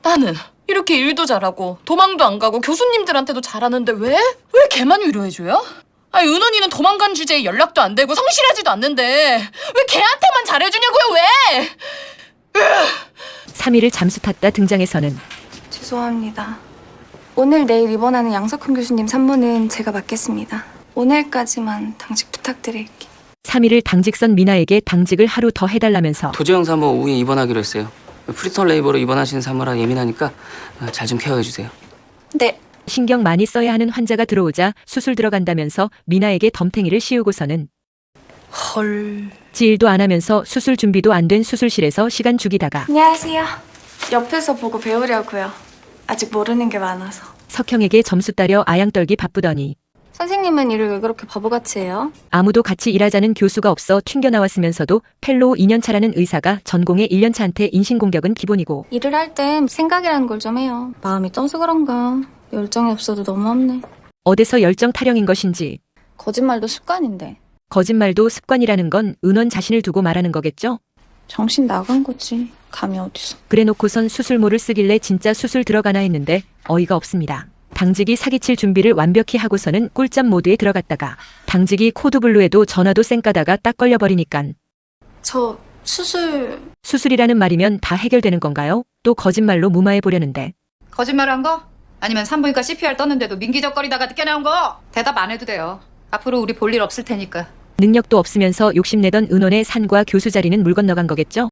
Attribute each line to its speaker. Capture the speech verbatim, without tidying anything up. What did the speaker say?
Speaker 1: 나는 이렇게 일도 잘하고 도망도 안 가고 교수님들한테도 잘하는데 왜? 왜 걔만 위로해줘요? 아니 은원이는 도망간 주제에 연락도 안 되고 성실하지도 않는데 왜 걔한테만 잘해주냐고요 왜?
Speaker 2: 삼 일을 잠수 탔다 등장해서는
Speaker 3: 죄송합니다. 오늘 내일 입원하는 양석훈 교수님 산모는 제가 맡겠습니다. 오늘까지만 당직 부탁드릴게요.
Speaker 2: 삼 일을 당직 선 미나에게 당직을 하루 더 해달라면서
Speaker 4: 도재영 사모 오후에 입원하기로 했어요. 프리턴 레이버로 입원하시는 사모라 예민하니까 잘 좀 케어해주세요.
Speaker 3: 네.
Speaker 2: 신경 많이 써야 하는 환자가 들어오자 수술 들어간다면서 미나에게 덤탱이를 씌우고서는
Speaker 1: 헐.
Speaker 2: 지일도 안 하면서 수술 준비도 안 된 수술실에서 시간 죽이다가
Speaker 3: 안녕하세요. 옆에서 보고 배우려고요. 아직 모르는 게 많아서.
Speaker 2: 석형에게 점수 따려 아양 떨기 바쁘더니
Speaker 3: 선생님은 일을 왜 그렇게 바보같이 해요?
Speaker 2: 아무도 같이 일하자는 교수가 없어 튕겨 나왔으면서도 펠로우 이 년 차라는 의사가 전공의 일 년 차한테 인신공격은 기본이고
Speaker 3: 일을 할 땐 생각이라는 걸 좀 해요. 마음이 떠서 그런가. 열정이 없어도 너무 없네.
Speaker 2: 어디서 열정 타령인 것인지
Speaker 3: 거짓말도 습관인데.
Speaker 2: 거짓말도 습관이라는 건 은원 자신을 두고 말하는 거겠죠?
Speaker 3: 정신 나간 거지. 감이 어디서.
Speaker 2: 그래놓고선 수술모를 쓰길래 진짜 수술 들어가나 했는데 어이가 없습니다. 당직이 사기칠 준비를 완벽히 하고서는 꿀잠 모드에 들어갔다가 당직이 코드블루에도 전화도 쌩까다가 딱 걸려버리니깐
Speaker 3: 저 수술...
Speaker 2: 수술이라는 말이면 다 해결되는 건가요? 또 거짓말로 무마해보려는데
Speaker 5: 거짓말한 거? 아니면 산부인과 씨피알 떴는데도 민기적거리다가 뛰어나온 거? 대답 안 해도 돼요. 앞으로 우리 볼 일 없을 테니까.
Speaker 2: 능력도 없으면서 욕심내던 은원의 산과 교수 자리는 물 건너간 거겠죠?